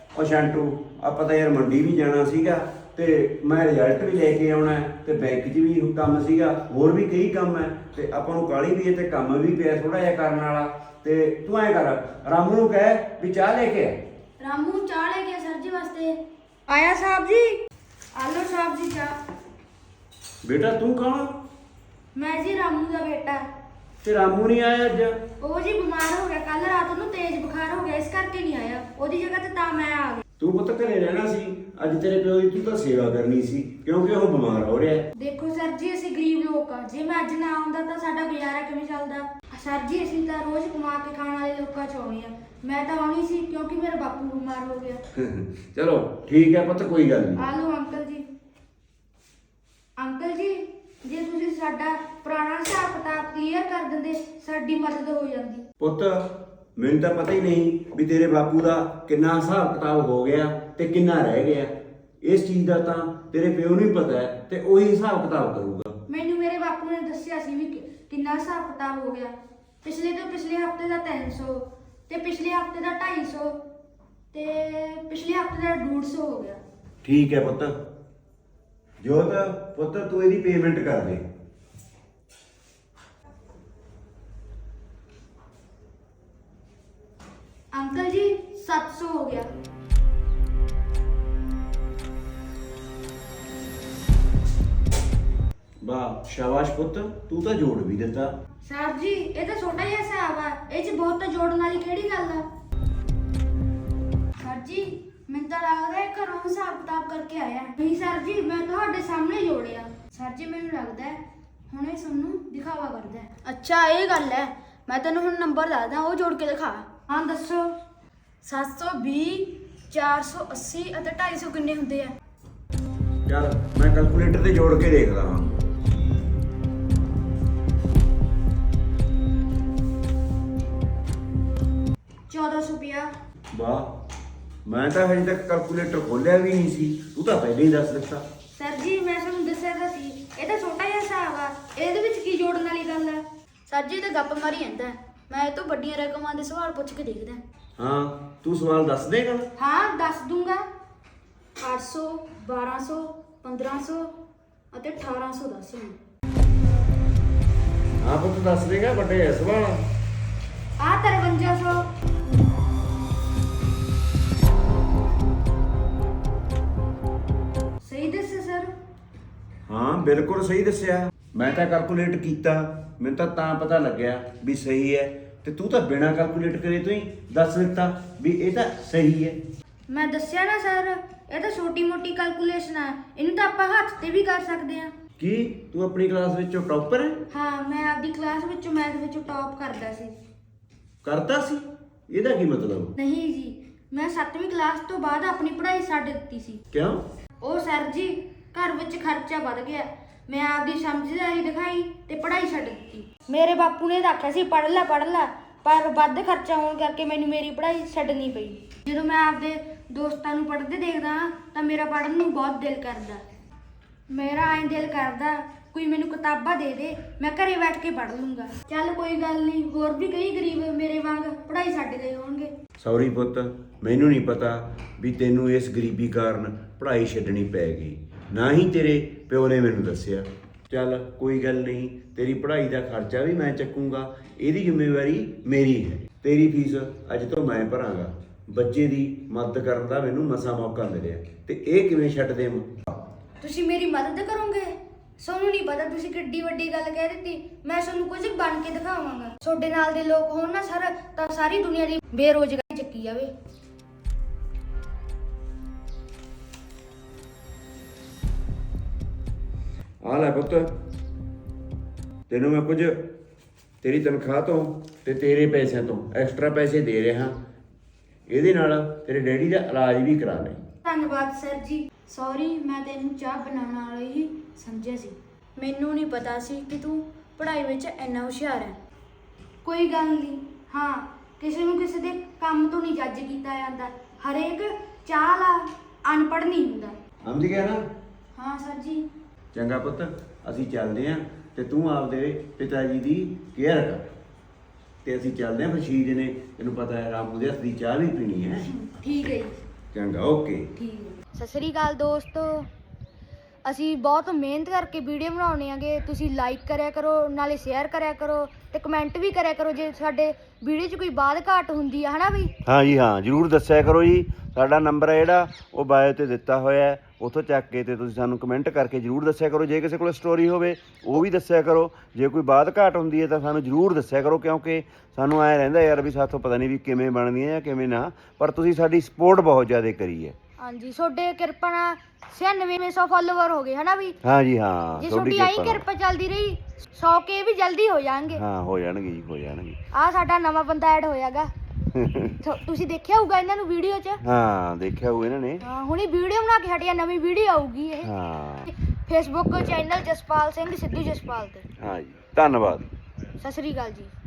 ਉਹ ਸ਼ਾਂਟੂ ਆਪਾਂ ਤਾਂ ਯਾਰ ਮੰਡੀ ਵੀ ਜਾਣਾ ਸੀਗਾ ਤੇ ਮੈਂ ਰਿਜ਼ਲਟ ਵੀ ਲੈ ਕੇ ਆਉਣਾ ਤੇ ਬੈਂਕ 'ਚ ਵੀ ਕੰਮ ਸੀਗਾ, ਹੋਰ ਵੀ ਕਈ ਕੰਮ ਹੈ ਤੇ ਆਪਾਂ ਨੂੰ ਕਾਹਲੀ ਵੀ ਹੈ ਤੇ ਕੰਮ ਵੀ ਪਿਆ ਥੋੜਾ ਜਿਹਾ ਕਰਨ ਵਾਲਾ। ਤੇ ਤੂੰ ਐਂ ਕਰ, ਰਾਮੂ ਨੂੰ ਕਹਿ ਵੀ ਚਾਹ ਲੈ ਕੇ ਆ। ਰਾਮੂ ਚਾਹ ਲੈ ਕੇ ਸਰ ਜੀ ਵਾਸਤੇ ਆਇਆ ਸਾਹਿਬ ਜੀ। ਆਲੋ ਸਾਹਿਬ ਜੀ ਚਾਹ। ਬੇਟਾ ਤੂੰ ਕੌਣ? ਮੈਂ ਜੀ ਰਾਮੂ ਦਾ ਬੇਟਾ। ਤੇ ਰਾਮੂ ਨਹੀਂ ਆਇਆ ਅੱਜ? ਉਹ ਜੀ ਬਿਮਾਰ ਹੋ ਗਿਆ, ਕੱਲ ਰਾਤ ਨੂੰ ਤੇਜ਼ ਬੁਖਾਰ ਹੋ ਗਿਆ, ਇਸ ਕਰਕੇ ਨਹੀਂ ਆਇਆ। ਉਹਦੀ ਜਗ੍ਹਾ ਤੇ ਤਾਂ ਮੈਂ ਆ ਗਈ। ਤੂੰ ਪੁੱਤ ਘਰੇ ਰਹਿਣਾ ਸੀ, ਅੱਜ ਤੇਰੇ ਪਿਓ ਦੀ ਤੂੰ ਤਾਂ ਸੇਵਾ ਕਰਨੀ ਸੀ ਕਿਉਂਕਿ ਉਹ ਬਿਮਾਰ ਹੋ ਰਿਹਾ। ਦੇਖੋ ਸਰ ਜੀ, ਅਸੀਂ ਗਰੀਬ ਲੋਕ ਆ, ਜੇ ਮੈਂ ਅੱਜ ਨਾ ਆਉਂਦਾ ਤਾਂ ਸਾਡਾ ਗੁਜ਼ਾਰਾ ਕਿਵੇਂ ਚੱਲਦਾ। ਸਰ ਜੀ ਅਸੀਂ ਤਾਂ ਰੋਜ਼ ਕਮਾ ਕੇ ਖਾਣ ਵਾਲੇ ਲੋਕਾਂ ਚੋਂ ਆਉਣੇ ਆ। ਮੈਂ ਤਾਂ ਆਉਣੀ ਸੀ ਕਿਉਂਕਿ ਮੇਰਾ ਬਾਪੂ ਬਿਮਾਰ ਹੋ ਗਿਆ। ਚਲੋ ਠੀਕ ਹੈ ਪੁੱਤ, ਕੋਈ ਗੱਲ ਨਹੀਂ। ਆ ਲਓ ਅੰਕਲ ਜੀ। ਅੰਕਲ ਜੀ, ਜੇ ਤੁਸੀਂ ਸਾਡਾ ਪੁਰਾਣਾ ਹਿਸਾਬ ਕਿਤਾਬ ਕਲੀਅਰ ਕਰ ਦਿੰਦੇ ਸਾਡੀ ਮਦਦ ਹੋ ਜਾਂਦੀ। ਪੁੱਤ ਮੈਨੂੰ ਤਾਂ ਪਤਾ ਹੀ ਨਹੀਂ ਵੀ ਤੇਰੇ ਬਾਪੂ ਦਾ ਕਿੰਨਾ ਹਿਸਾਬ ਕਿਤਾਬ ਹੋ ਗਿਆ ਤੇ ਕਿੰਨਾ ਰਹਿ ਗਿਆ। ਇਸ ਚੀਜ਼ ਦਾ ਤਾਂ ਤੇਰੇ ਪਿਓ ਨੂੰ ਹੀ ਪਤਾ ਹੈ ਤੇ ਉਹੀ ਹਿਸਾਬ ਕਿਤਾਬ ਕਰੂਗਾ। ਮੈਨੂੰ ਮੇਰੇ ਬਾਪੂ ਨੇ ਦੱਸਿਆ ਸੀ ਵੀ ਕਿੰਨਾ ਹਿਸਾਬ ਕਿਤਾਬ ਹੋ ਗਿਆ। ਪਿਛਲੇ ਹਫਤੇ ਦਾ 300 ਤੇ ਪਿਛਲੇ ਹਫਤੇ ਦਾ 250 ਤੇ ਪਿਛਲੇ ਹਫਤੇ ਦਾ 150 ਹੋ ਗਿਆ। ਠੀਕ ਹੈ ਪੁੱਤ। ਜੋਤ ਪੁੱਤ ਤੂੰ ਇਹਦੀ ਪੇਮੈਂਟ ਕਰ ਦੇ। ਅੰਕਲ ਜੀ 700 ਹੋ ਗਿਆ। ਵਾਹ ਸ਼ਾਬਾਸ਼ ਪੁੱਤ, ਤੂੰ ਤਾਂ ਜੋੜ ਵੀ ਦਿੱਤਾ। ਸਰ ਜੀ ਇਹ ਤਾਂ ਛੋਟਾ ਜਿਹਾ ਹਿਸਾਬ ਆ, ਇਹ 'ਚ ਬਹੁਤ ਤਾਂ ਜੋੜਨ ਵਾਲੀ ਕਿਹੜੀ ਗੱਲ ਆ। ਸਰ ਜੀ ਮੈਨੂੰ ਤਾਂ ਲੱਗਦਾ ਇਹ ਘਰੋਂ ਹਿਸਾਬ ਕਿਤਾਬ ਕਰਕੇ ਆਇਆ। ਨਹੀਂ ਸਰ ਜੀ, ਮੈਂ ਤੁਹਾਡੇ ਸਾਹਮਣੇ ਜੋੜਿਆ। ਸਰ ਜੀ ਮੈਨੂੰ ਲੱਗਦਾ ਹੈ ਹੁਣ ਇਹ ਸਾਨੂੰ ਦਿਖਾਵਾ ਕਰਦਾ ਹੈ। ਅੱਛਾ ਇਹ ਗੱਲ ਹੈ, ਮੈਂ ਤੈਨੂੰ ਹੁਣ ਨੰਬਰ ਦੱਸਦਾ, ਉਹ ਜੋੜ ਕੇ ਦਿਖਾ। ਹਾਂ ਦੱਸੋ। 720 480 ਅਤੇ 250 ਕਿੰਨੇ ਹੁੰਦੇ ਆ? ਚੱਲ ਮੈਂ ਕੈਲਕੂਲੇਟਰ ਤੇ ਜੋੜ ਕੇ ਦੇਖਦਾ ਹਾਂ। ਵਾਹ, ਮੈਂ ਤਾਂ ਹਜੇ ਤੱਕ ਕੈਲਕੂਲੇਟਰ ਖੋਲਿਆ ਵੀ ਨਹੀਂ ਸੀ, ਤੂੰ ਤਾਂ ਪਹਿਲਾਂ ਹੀ ਦੱਸ ਦਿੱਤਾ। ਸਰ ਜੀ ਮੈਂ ਤੁਹਾਨੂੰ ਦੱਸਿਆ ਤਾਂ ਸੀ, ਇਹ ਤਾਂ ਛੋਟਾ ਜਿਹਾ ਹਿਸਾਬ ਆ, ਇਹਦੇ ਵਿੱਚ ਕੀ ਜੋੜਨ ਵਾਲੀ ਗੱਲ ਆ। ਸਰ ਜੀ ਤਾਂ ਗੱਪ ਮਾਰੀ ਜਾਂਦਾ, ਮੈਂ ਇਹ ਤੋਂ ਵੱਡੀਆਂ ਰਕਮਾਂ ਦੇ ਸਵਾਲ ਪੁੱਛ ਕੇ ਦੇਖਦਾ। ਹਾਂ ਤੂੰ ਸਵਾਲ ਦੱਸ ਦੇਗਾ? ਹਾਂ ਦੱਸ ਦੂੰਗਾ। 800 1200 1500 ਅਤੇ 1800 ਦੱਸ। ਹਾਂ ਪੁੱਤ ਦੱਸ ਦੇਗਾ ਵੱਡੇ ਸਵਾਲ। ਆ 5300। ਸਹੀ ਦੱਸਿਆ ਸਰ? ਹਾਂ ਬਿਲਕੁਲ ਸਹੀ ਦੱਸਿਆ। ਮੈਂ ਤਾਂ ਕੈਲਕੂਲੇਟ ਕੀਤਾ, ਮੈਨੂੰ ਤਾਂ ਪਤਾ ਲੱਗਿਆ ਵੀ ਸਹੀ ਹੈ ਤੇ ਤੂੰ ਤਾਂ ਬਿਨਾਂ ਕੈਲਕੂਲੇਟ ਕਰੇ ਤੂੰ ਹੀ ਦੱਸ ਦਿੱਤਾ ਵੀ ਇਹ ਤਾਂ ਸਹੀ ਹੈ। ਮੈਂ ਦੱਸਿਆ ਨਾ ਸਰ, ਇਹ ਤਾਂ ਛੋਟੀ ਮੋਟੀ ਕੈਲਕੂਲੇਸ਼ਨ ਆ, ਇਹਨੂੰ ਤਾਂ ਆਪਾਂ ਹੱਥ ਤੇ ਵੀ ਕਰ ਸਕਦੇ ਆ। ਕੀ ਤੂੰ ਆਪਣੀ ਕਲਾਸ ਵਿੱਚੋਂ ਟੌਪਰ ਹੈ? ਹਾਂ ਮੈਂ ਆਪਦੀ ਕਲਾਸ ਵਿੱਚੋਂ ਮੈਥ ਵਿੱਚੋਂ ਟੌਪ ਕਰਦਾ ਸੀ। ਕਰਦਾ ਸੀ? ਇਹਦਾ ਕੀ ਮਤਲਬ? ਨਹੀਂ ਜੀ, ਮੈਂ 7ਵੀਂ ਕਲਾਸ ਤੋਂ ਬਾਅਦ ਆਪਣੀ ਪੜ੍ਹਾਈ ਛੱਡ ਦਿੱਤੀ ਸੀ। ਕਿਉਂ? ਉਹ ਸਰ ਜੀ ਘਰ ਵਿੱਚ ਖਰਚਾ ਵੱਧ ਗਿਆ, ਮੈਂ ਆਪਦੀ ਸਮਝਦਾਰੀ ਦਿਖਾਈ ਤੇ ਪੜ੍ਹਾਈ ਛੱਡ ਦਿੱਤੀ। ਮੇਰੇ ਬਾਪੂ ਨੇ ਤਾਂ ਆਖਿਆ ਸੀ ਪੜ੍ਹ ਲੈ, ਪਰ ਵੱਧ ਖਰਚਾ ਹੋਣ ਕਰਕੇ ਮੈਨੂੰ ਮੇਰੀ ਪੜ੍ਹਾਈ ਛੱਡਣੀ ਪਈ। ਜਦੋਂ ਮੈਂ ਆਪਦੇ ਦੋਸਤਾਂ ਨੂੰ ਪੜ੍ਹਦੇ ਦੇਖਦਾ ਤਾਂ ਮੇਰਾ ਪੜ੍ਹਨ ਨੂੰ ਬਹੁਤ ਦਿਲ ਕਰਦਾ। ਮੇਰਾ ਐਂ ਦਿਲ ਕਰਦਾ ਕੋਈ ਮੈਨੂੰ ਕਿਤਾਬਾਂ ਦੇ ਦੇ, ਮੈਂ ਘਰੇ ਬੈਠ ਕੇ ਪੜ੍ਹ ਲੂੰਗਾ। ਚੱਲ ਕੋਈ ਗੱਲ ਨਹੀਂ, ਹੋਰ ਵੀ ਕਈ ਗਰੀਬ ਮੇਰੇ ਵਾਂਗ ਪੜ੍ਹਾਈ ਛੱਡ ਗਏ ਹੋਣਗੇ। ਸੌਰੀ ਪੁੱਤ, ਮੈਨੂੰ ਨਹੀਂ ਪਤਾ ਵੀ ਤੈਨੂੰ ਇਸ ਗਰੀਬੀ ਕਾਰਨ ਪੜ੍ਹਾਈ ਛੱਡਣੀ ਪੈ ਗਈ, ਨਾ ਹੀ ਤੇਰੇ ਪਿਓ ਨੇ ਮੈਨੂੰ ਦੱਸਿਆ। ਚੱਲ ਕੋਈ ਗੱਲ ਨਹੀਂ, ਤੇਰੀ ਪੜ੍ਹਾਈ ਦਾ ਖਰਚਾ ਵੀ ਮੈਂ ਚੱਕੂੰਗਾ, ਇਹਦੀ ਜ਼ਿੰਮੇਵਾਰੀ ਮੇਰੀ ਹੈ। ਤੇਰੀ ਫੀਸ ਅੱਜ ਤੋਂ ਮੈਂ ਭਰਾਂਗਾ। ਬੱਚੇ ਦੀ ਮਦਦ ਕਰਨ ਦਾ ਮੈਨੂੰ ਮਸਾਂ ਮੌਕਾ ਮਿਲਿਆ ਤੇ ਇਹ ਕਿਵੇਂ ਛੱਡ ਦੇਵਾਂ? ਤੁਸੀਂ ਮੇਰੀ ਮਦਦ ਕਰੋਗੇ? ਤੁਹਾਨੂੰ ਨਹੀਂ ਪਤਾ ਤੁਸੀਂ ਕਿੱਡੀ ਵੱਡੀ ਗੱਲ ਕਹਿ ਦਿੱਤੀ। ਮੈਂ ਤੁਹਾਨੂੰ ਕੁਝ ਬਣ ਕੇ ਦਿਖਾਵਾਂਗਾ। ਤੁਹਾਡੇ ਨਾਲ ਦੇ ਲੋਕ ਹੋਣ ਨਾ ਸਰ, ਤਾਂ ਸਾਰੀ ਦੁਨੀਆ ਦੀ ਬੇਰੋਜ਼ਗਾਰੀ ਚੱਕੀ ਜਾਵੇ। ਆ ਲੈ ਪੁੱਤ, ਤੈਨੂੰ ਮੈਂ ਕੁਝ ਤੇਰੀ ਤਨਖਾਹ ਤੋਂ ਤੇ ਤੇਰੇ ਪੈਸਿਆਂ ਤੋਂ ਐਕਸਟਰਾ ਪੈਸੇ ਦੇ ਰਿਹਾ। ਇਹਦੇ ਨਾਲ ਤੇਰੇ ਡੈਡੀ ਦਾ ਇਲਾਜ ਵੀ ਕਰਾ ਲੈ। ਧੰਨਵਾਦ ਸਰ ਜੀ। ਸੌਰੀ, ਮੈਂ ਤੈਨੂੰ ਚਾਹ ਬਣਾਉਣ ਵਾਲਾ ਹੀ ਸਮਝਿਆ ਸੀ। ਮੈਨੂੰ ਨਹੀਂ ਪਤਾ ਸੀ ਕਿ ਤੂੰ ਪੜ੍ਹਾਈ ਵਿੱਚ ਇੰਨਾ ਹੁਸ਼ਿਆਰ ਹੈ। ਕੋਈ ਗੱਲ ਨਹੀਂ। ਹਾਂ, ਕਿਸੇ ਨੂੰ ਕਿਸੇ ਦੇ ਕੰਮ ਤੋਂ ਨਹੀਂ ਜੱਜ ਕੀਤਾ ਜਾਂਦਾ। ਹਰੇਕ ਚਾਹ ਲਾ ਅਨਪੜ੍ਹ ਨਹੀਂ ਹੁੰਦਾ। ਸਮਝ ਗਿਆ ਨਾ? ਹਾਂ ਸਰ ਜੀ। ਚੰਗਾ ਪੁੱਤ, ਅਸੀਂ ਚੱਲਦੇ ਆਂ ਤੇ ਤੂੰ ਆਪਦੇ ਪਿਤਾ ਜੀ ਦੀ ਕੇਅਰ ਕਰ ਤੇ ਅਸੀਂ ਚੱਲਦੇ ਆਂ। ਫਿਰ 6 ਦਿਨੇ ਤੈਨੂੰ ਪਤਾ ਹੈ ਰਾਮੂ ਦੇ ਹੱਥ ਦੀ ਚਾਹ ਵੀ ਪੀਣੀ ਹੈ। ਠੀਕ ਹੈ ਜੀ। ਚੰਗਾ ਓਕੇ। ਠੀਕ। ਸਤਿ ਸ੍ਰੀ ਅਕਾਲ ਦੋਸਤੋ, ਅਸੀਂ ਬਹੁਤ ਮਿਹਨਤ ਕਰਕੇ ਵੀਡੀਓ ਬਣਾਉਣੇ ਆਗੇ। ਤੁਸੀਂ ਲਾਈਕ ਕਰਿਆ ਕਰੋ, ਨਾਲੇ ਸ਼ੇਅਰ ਕਰਿਆ ਕਰੋ ਤੇ ਕਮੈਂਟ ਵੀ ਕਰਿਆ ਕਰੋ ਜੇ ਸਾਡੇ ਵੀਡੀਓ 'ਚ ਕੋਈ ਬਾਤ ਘਾਟ ਹੁੰਦੀ ਆ, ਹਨਾ ਬਈ। ਹਾਂ ਜੀ ਹਾਂ, ਜ਼ਰੂਰ ਦੱਸਿਆ ਕਰੋ ਜੀ। ਸਾਡਾ ਨੰਬਰ ਹੈ ਜਿਹੜਾ ਉਹ ਬਾਇਓ ਤੇ ਦਿੱਤਾ ਹੋਇਆ ਹੈ, ਉੱਥੋਂ ਚੱਕ ਕੇ ਤੇ ਤੁਸੀਂ ਸਾਨੂੰ ਕਮੈਂਟ ਕਰਕੇ ਜ਼ਰੂਰ ਦੱਸਿਆ ਕਰੋ। ਜੇ ਕਿਸੇ ਕੋਲ ਸਟੋਰੀ ਹੋਵੇ ਉਹ ਵੀ ਦੱਸਿਆ ਕਰੋ। ਜੇ ਕੋਈ ਬਾਤ ਘਾਟ ਹੁੰਦੀ ਹੈ ਤਾਂ ਸਾਨੂੰ ਜ਼ਰੂਰ ਦੱਸਿਆ ਕਰੋ, ਕਿਉਂਕਿ ਸਾਨੂੰ ਐਂ ਰਹਿੰਦਾ ਯਾਰ ਵੀ ਸਾਥੋਂ ਪਤਾ ਨਹੀਂ ਵੀ ਕਿਵੇਂ ਬਣਦੀਆਂ ਜਾਂ ਕਿਵੇਂ ਨਾ, ਪਰ ਤੁਸੀਂ ਸਾਡੀ ਸਪੋਰਟ ਬਹੁਤ ਜ਼ਿਆਦਾ ਕਰੀ ਹੈ। ਹਾਂਜੀ, ਤੁਹਾਡੇ ਕਿਰਪਾ ਨਾਲ 9600 ਫਾਲੋਵਰ ਹੋ ਗਏ, ਹਨਾ ਵੀ। ਹਾਂ ਜੀ ਹਾਂ, ਜੇ ਤੁਹਾਡੀ ਆਈ ਕਿਰਪਾ ਚੱਲਦੀ ਰਹੀ 100 ਕੇ ਵੀ ਜਲਦੀ ਹੋ ਜਾਣਗੇ। ਹਾਂ, ਹੋ ਜਾਣਗੇ ਜੀ, ਹੋ ਜਾਣਗੇ। ਆਹ ਸਾਡਾ ਨਵਾਂ ਬੰਦਾ ਐਡ ਹੋਇਆਗਾ। ਤੁਸੀਂ ਦੇਖਿਆ ਹੋਊਗਾ ਇਹਨਾਂ ਨੂੰ ਵੀਡੀਓ 'ਚ। ਹਾਂ, ਦੇਖਿਆ ਹੋਊ ਇਹਨਾਂ ਨੇ। ਹਾਂ, ਹੁਣੀ ਵੀਡੀਓ ਬਣਾ ਕੇ ਹਟਿਆ, ਨਵੀਂ ਵੀਡੀਓ ਆਊਗੀ ਇਹ। ਹਾਂ, ਫੇਸਬੁੱਕ ਚੈਨਲ ਜਸਪਾਲ ਸਿੰਘ ਸਿੱਧੂ ਜਸਪਾਲ ਤੇ। ਹਾਂ ਜੀ, ਧੰਨਵਾਦ। ਸਤਿ ਸ੍ਰੀ ਅਕਾਲ ਜੀ।